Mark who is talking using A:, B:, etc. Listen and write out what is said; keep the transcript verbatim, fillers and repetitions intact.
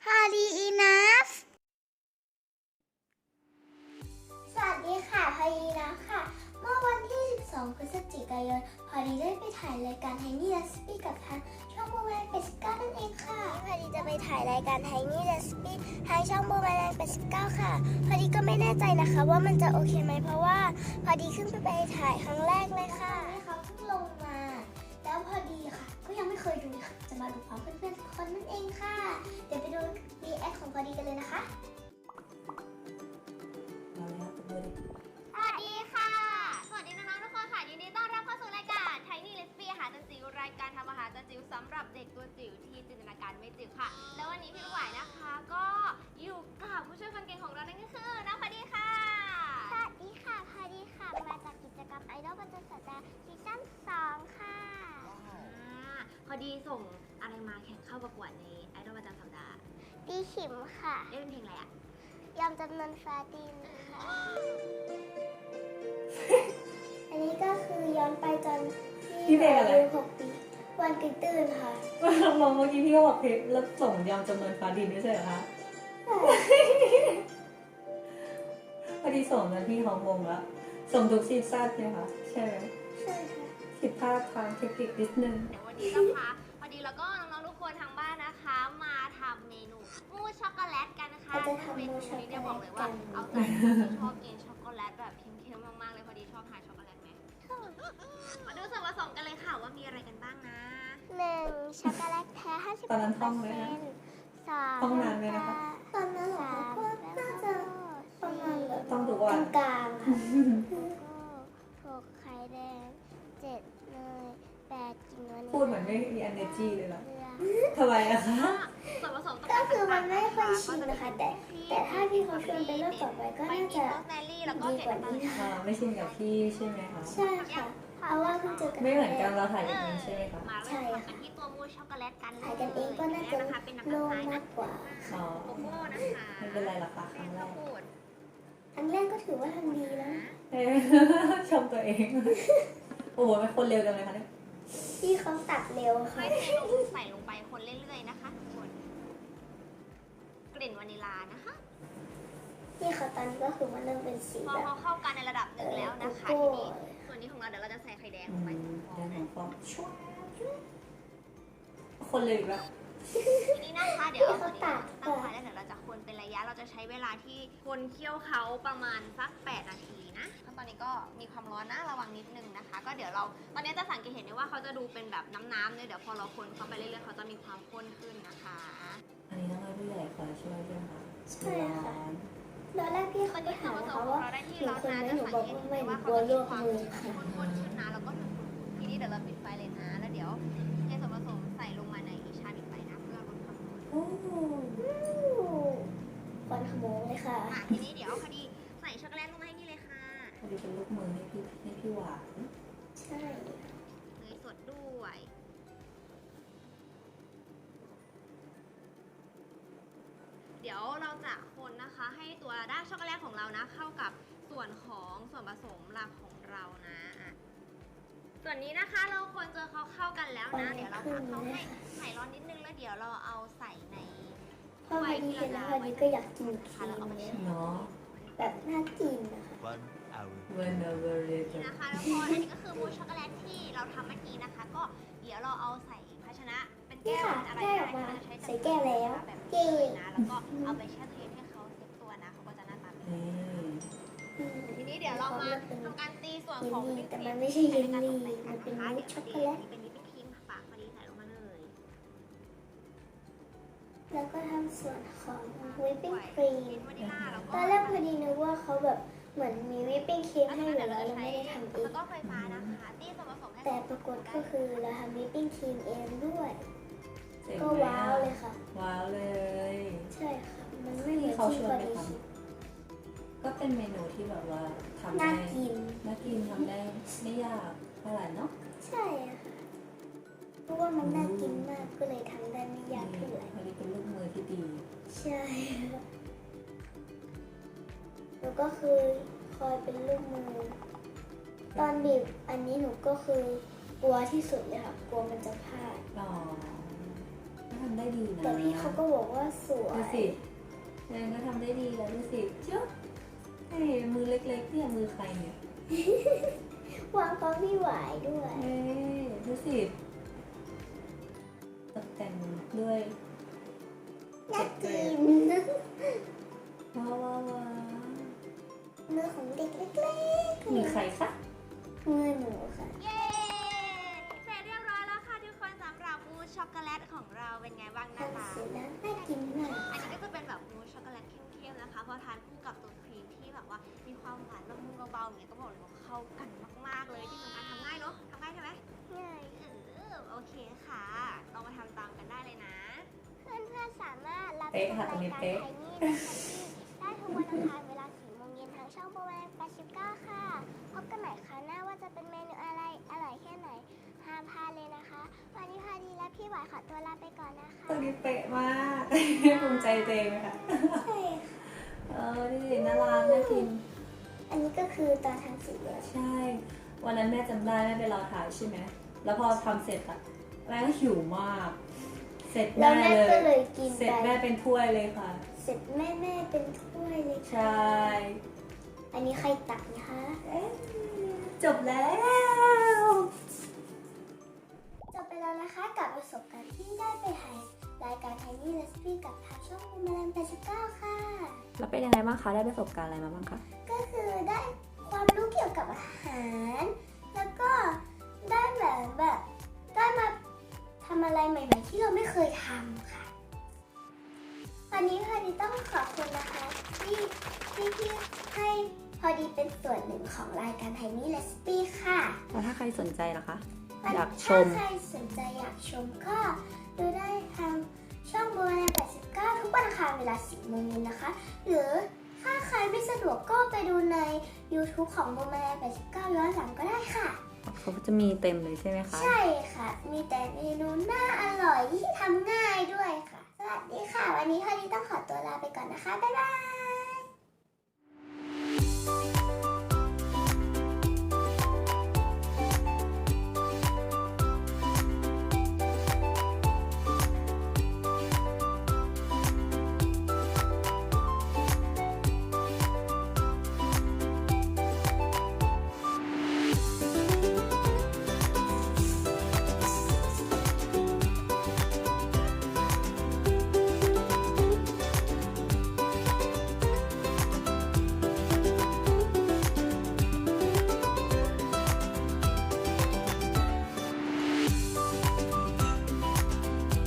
A: Hardy enough สวัสดีค่ะพอดีนะค่ะ เมื่อวันที่ สิบสอง พฤศจิกายน พอดีได้ไปถ่ายรายการ Tiny Recipe กับทางช่องโบแมนเป็ดสิบเก้านั่นเองค่ะพอดีจะไปถ่ายรายการ Tiny Recipe ทางช่องโบแมนเป็ดสิบเก้าค่ะ พอดีก็ไม่แน่ใจนะคะว่ามันจะโอเคไหมเพราะว่าพอดีขึ้นไปถ่ายครั้งแรกเลยค่ะเขาเพิ่งลงมา แล้วพอดีค่ะ ก็ยังไม่เคยดูค่ะ จะมาดูพร้อมเพื่อนๆทุกคนนั่นเองค่ะ เดี๋ยวไปดูรีแอคของพอดีกันเลยนะคะ
B: สวัสดีค่ะ สวัสดีน้องๆทุกคนค่ะยินดีต้อนรับเข้าสู่รายการ Tiny Recipe อาหารจานจิ๋วรายการทำอาหารจานจิ๋วสำหรับเด็กตัวจิ๋วที่จินตนาการไม่จิ๋วค่ะ แล้ววันนี้พี่ลูกหวายนะคะ ก็อยู่กับผู้ช่วยคนเก่งของเรานั่นก็คือน้องพอดีค่ะ
A: สวัสดีค่ะพอดีค่ะ มาจากกิจกรรมไอดอลประจำสัปดาห์ซีซั่นสองค่ะ
B: พอดีส่งอะไรมาแข่งเข้าประกวดในไอดอลประจำสัปดาห์
A: ตีขิมค่ะ
B: เล่นเพลงอะไรอะ
A: ยำจำนวนฟ้าดินค่ะ อันนี้ก็คือย้อนไปตอนที่อายุหกปีวันตื่นตื่นค่ะ
C: มองเมื่อกี้พี่ก็บอกเพชรแล้วส่งยำจำนวนฟ้าดินไม่ใช่เหรอคะพอดีส่งนะพี่ของวงแล้วส่งทุกซีซั่นใช่ไหมคะใช่ไหม
A: ใช่ค่ะ
C: ผิดพลาดทางเทคนิคนิดนึง
B: เดี๋ยววันนี้นะคะพอดีแล้วก็น้องๆทุกคนทางบ้านนะคะ มาทำเมนูมูสช็อกโกแลตกันนะคะซึ่งเมนูนี้เนี่ยบอกเลยว่าเอาใจคนที่ชอบกินช็อกโกแลตแบบเค็มๆมากๆเลยพอดีชอบทานช็อกโกแลตไหมมาดูส่วนผสมกันเลยค่ะว่ามีอะไรกันบ้างนะ
A: หนึ่งช็อกโกแลตแท้ห้าสิบ
C: ตอนนั้นท่องไหมคะ
A: สอง
C: ท่องนานไหมนะคะ
A: ตอนนั้นเหรอก็น่าจะประมาณแบบ
C: ต้องทุกวัน
A: กลางๆค่ะหกไข่แดงเจ็ดเนยแปดกินวานิลลา
C: พูดเหมือนไม่มี energy เลยเหรอ
A: เกลือ
C: ทำไมอะคะ
B: ส่วนผสม
A: ก็คือมันไม่ค่อยชินนะคะแต่แต่ถ้าพี่เขาชวนไปรอบต่อไปก็น่าจะ
B: โรสแมรี่แล้วก็
A: ดี
B: เก
A: กว่านี้
B: ล็ด
A: ค่ะ
C: อ่าไม่ชินกับพี่ใช่ไหมคะ
A: ใช่ค่ะ เพราะว่าเพิ่งเจอกัน
C: ไม่เหมือนกันเราถ่ายกันเองใช่ไหมคะ
B: มาเริ่มทำกันที่ตัวมูสช็อกโกแลตกันเลย
A: ถ่ายกันเองก็น่าจะ
B: นะคะเป็นน้ำ
A: โล่
B: ตาลทราย
A: งมา
B: นะ
A: กกว่า
C: อ๋อ
B: โกโก้นะคะ
C: ไม่เป็นไรหรอกค่ะค
B: แป้
C: รั้
B: ง
C: งแร
B: ข้าว
C: ก
B: โพด
A: อันแรกก็ถือว่าทำดีแล้ว
C: เอ๊ะชมตัวเอง โอ้โหเป็นคนเร็วจังเลยคะเนี่ย
A: พี่เขาตัดเร็ว
B: ค่
A: ค่ะ
B: อยเทลงใส่ลงไปคนเรื่อยๆนะคะทุกคนกลิ่นวานิลลานะคะ
A: พี่เขาตอนนี้ก็คือมันเริ่มเป็นสี
B: พอ
A: แบบ
B: เขาเข้ากันในระดับหนึ่งแล้วนะคะ
A: โก
B: ที
A: โก้
B: นี้ส่วนนี้ของเราเดี๋ยวเราจะใส่ไข่แดงล
C: อื
B: ง
C: ม
B: ไป
C: แดงของฟองช่วยคนเลยอีกแล้ว
B: ทีนี้นะคะเดี๋ยวเอาตัวนี้ตั้งไฟแล้วเดี๋ยวเราจะคนเป็นระยะเราจะใช้เวลาที่คนเคี่ยวเขาประมาณสักแปดนาทีนะขั้นตอนนี้ก็มีความร้อนนะระวังนิดนึงนะคะ ก็เดี๋ยวเราตอนนี้จะสังเกตเห็นได้ว่าเขาจะดูเป็นแบบน้ำๆเนี่ยเดี๋ยวพอเราคนเข้าไปเรื่อยๆเขาจะมีความข้นขึ้นนะคะ
C: อันนี้ต้องให้ผู้ใหญ่คอยช่วยด้วยค่ะ
A: ใช่ค่ะตอนแรกพี่
B: ตอ
A: เขา
B: น
A: ก็
B: นี้ส่ว
A: ถาน ม
B: ผส
A: เขา
B: มของ
A: ว่า
B: เราได้ที่
A: หนู
B: ร้อน
A: คน
B: นะ
A: ไหม
B: จะ
A: หนู
B: สัง
A: บอก
B: เกต
A: ว่าไม่
B: เห็น
A: หนู
B: ว่าก
A: ลั
B: เขา
A: ว
B: จะ
A: ล
B: มี
A: วก
B: ความ
A: มือค่ะ
B: ข้นๆขึ้นนะแล้วก็ทีนี้เดี๋ยวเราปิดไฟเลยนะ แล้วเดี๋ยวเทส่วนผสมใส่ลงมาในชามอีกใบนะเพื่อลดความร้อน
C: โอ้
A: ควันขโมงเลยค่ะ
B: อ่ะทีนี้เดี๋ยวพอดีใส่ช็อกโกแลตลงมาให้นี่เลยค่ะ
C: พอดีเป็นลูกมือให้พี่ให้พี่หวาน
A: ใช่
B: เนยสดด้วย เดี๋ยวเราจะคนนะคะ ให้ตัวด้านช็อกโกแลตของเรานะ เข้ากับส่วนของส่วนผสมหลักของเรานะอ่ะส่วนนี้นะคะเราคนจนเขาเข้ากันแล้วนะ เดี๋ยวเราพักเขาให้ใส่ร้อนนิดนึงแล้วเดี๋ยวเราเอาใส่ใน
A: พอวันนี้เห็นแล้ววันนี้ก็อยากกินครีมเลย
C: เนาะ
A: แบบน่ากินนะคะ
D: One hour.
C: whenever it
B: นี่นะคะแล้วพออันนี้ก็คือมูสช็อกโกแลตที่เราทำเมื่อกี้นะคะ ก็เดี๋ยวเราเอาใส่ภาชนะเป็น
A: นี่
B: แก้ว
A: ค่ะ
B: อะไร
A: ได้
B: ก็
A: ออก
B: ได้
A: มา
B: ที่เราใช้
A: ใส่แก้วแล้ว
B: แบบ
A: เก๋
B: นี้นะแล้วก็เอาไปแช่ตู้เย็นให้เขาเซ็ตตัวนะเขาก็จะหน้าตาแบบนี้
C: นี่
B: ทีนี้เดี๋ยวเรามาทำการตีส่วนของ
A: เยลลี่
B: วิป
A: แต่
B: ครี
A: มัน
B: ม
A: ไม่ใช่เยลลี่
B: ใการตกแต่งกั
A: มันเป็น
B: นะคะ
A: มูส
B: เดี๋ยว
A: ช็อกโก
B: ตี
A: แล
B: อัน
A: ต
B: นี้เป็นวิปครีมฝากพอดีใส่ลงมาเลย
A: แล้วก็ทำส่วนของวิปปิ้งครี
B: เป็น
A: ม
B: วานิลลาแล้วก็
A: ตอนแรกพอดีนึกว่าเขาแบบเหมือนมีวิปปิ้งครีมให้อยู่แล้วเราไม่ได้ทำเอ
B: แล้
A: ง
B: วก็ไฟฟ้านะคะตีส่วนผสมให้
A: แต่ปรากฏก็คือเราทำวิปปิ้งครีมเองด้วย
C: เจ๋ง
A: ก็
C: ไหม
A: ว้าวเลยค่ะ
C: ว้าวเลย
A: ใช่ค่ะ มันไม่เหมือน
C: เขา
A: ที่
C: ช
A: พ
C: ว
A: อน
C: ไป
A: ดี
C: ท
A: คิด
C: ำก็เป็นเมนูที่แบบว่าทำ
A: น่า
C: ได้
A: กิน
C: น่ากินทำได้ไม่ยากเท่าไหร่เนาะ
A: ใช่ค่ะเพราะว่ามันน่ากินมากก็เลยทำได้ไม่ยากเท่าไหร่
C: พอดีเป็นลูกมือที่ดี
A: ใช่ค่ะแล้วก็คือคอยเป็นลูกมือ ตอนบีบอันนี้หนูก็คือกลัวที่สุดเลยค่ะ กลัวมันจะพลาด
C: อ๋อทำได้ดีนะ
A: แต่พี่เขาก็บอกว่าสวย
C: ดูสิแดงก็ทำได้ดีแล้วดูสิเจ้าเฮ้ยมือเล็กๆเนี่ยมือใครเนี่ยว
A: างก็ไม่ไหวด้วย
C: เฮ้ยดูสิตกแต่งด้วย
A: น่ากิน
C: ว้าวว้าวว้าว
A: มือของเด็กเล็กๆ
C: มีใครคะ
A: มือหนูค่ะ
B: เย้เสร็จเรียบร้อยแล้วค่ะทุกคนสำหรับมูสช็อกโกแลตของเราเป็นไงบ้างนะคะ
A: ทำเสร็จแล้วน่ากินมาก
B: อันนี้ก็จะเป็นแบบมูสช็อกโกแลตเข้มๆนะคะเพราะทานคู่กับตัวครีมที่แบบว่ามีความหวานละมุนเบาๆอย่างเงี้ยก็บอกเลยว่าเข้ากันมากๆเลยที่สำคัญทำง่ายเนาะทำง่ายใช่ไหม
A: ง่าย
B: เออโอเคค่ะลองมาทำตามกันได้เลยนะ
A: เพื่อนๆสามารถรับช
C: เป๊ะ
A: ม
C: ค่ะ
A: ราย
C: ตรงนี้
A: การ
C: เป๊ะ
A: ไทนี่ได้ได้ทุกวันอังคารเวลาสี่โมงเย็นทางช่องโบแวนแปดสิบเก้าค่ะ พบกันใหม่คราวหน้าว่าจะเป็นเมนูอะไรอร่อยแค่ไหนห้ามพลาดเลยนะคะ วันนี้พาดีและพี่หวายขอตัวลาไปก่อนนะคะ
C: ตัวนี้เป๊ะมาก ภูมิใจตัวเองไหมคะ
A: ใช่
C: เออดูสิน่ารักน่ากิน
A: อันนี้ก็คือตอนทำสีเหลือง
C: ใช่ วันนั้นแม่จำได้แม่ไปรอถ่ายใช่ไหม แล้วพอทำเสร็จอะแม่ก็หิวมาก เสร็จ
A: แล้ว
C: แม่
A: แม่
C: เล
A: ก็
C: ย
A: เลยกิน
C: เสร็จ
A: ไป
C: แม่เป็นถ้วยเลยค่ะ
A: เสร็จแม่แม่เป็นถ้วยเลย
C: ใช
A: ค่ะ
C: ่
A: อันนี้ใครตักนะคะ
C: เอ๊ะจบแล้ว
A: จบไปแล้วนะคะกับประสบการณ์ที่ได้ไปถ่ายรายการไทนี่เรสปี้กับทางช่องแมลงแปดสิบเก้าค่ะ
C: แล้วเป็นยังไงบ้างคะ ได้ประสบการณ์อะไรมาบ้างคะ
A: ก็คือได้ความรู้เกี่ยวกับอาหาร แล้วก็ได้แบบแบบได้มาทำอะไรใหม่ๆที่เราไม่เคยทำค่ะ วันนี้พอดีต้องขอบคุณนะคะที่ที่ที่ให้พอดีเป็นส่วนหนึ่งของรายการไทนี่เรสปี้ค่ะ
C: แล้วถ้าใครสนใจล่ะคะ อยากช
A: ถ้าม ใครสนใจอยากชมก็ดูได้ทางช่องโบแวนแปดสิบเก้าทุกวันอังคารเวลาสิบโมงเย็นนะคะ หรือถ้าใครไม่สะดวกก็ไปดูใน YouTube ของโบแวนแปดสิบเก้าย้อนหลังก็ได้ค่ะ
C: เขาจะมีเต็มเลยใช่ไหมคะ
A: ใช่ค่ะ มีแต่เมนูน่าอร่อยที่ทำง่ายด้วยค่ะ สวัสดีค่ะ วันนี้พอดีต้องขอตัวลาไปก่อนนะคะ บ๊ายบาย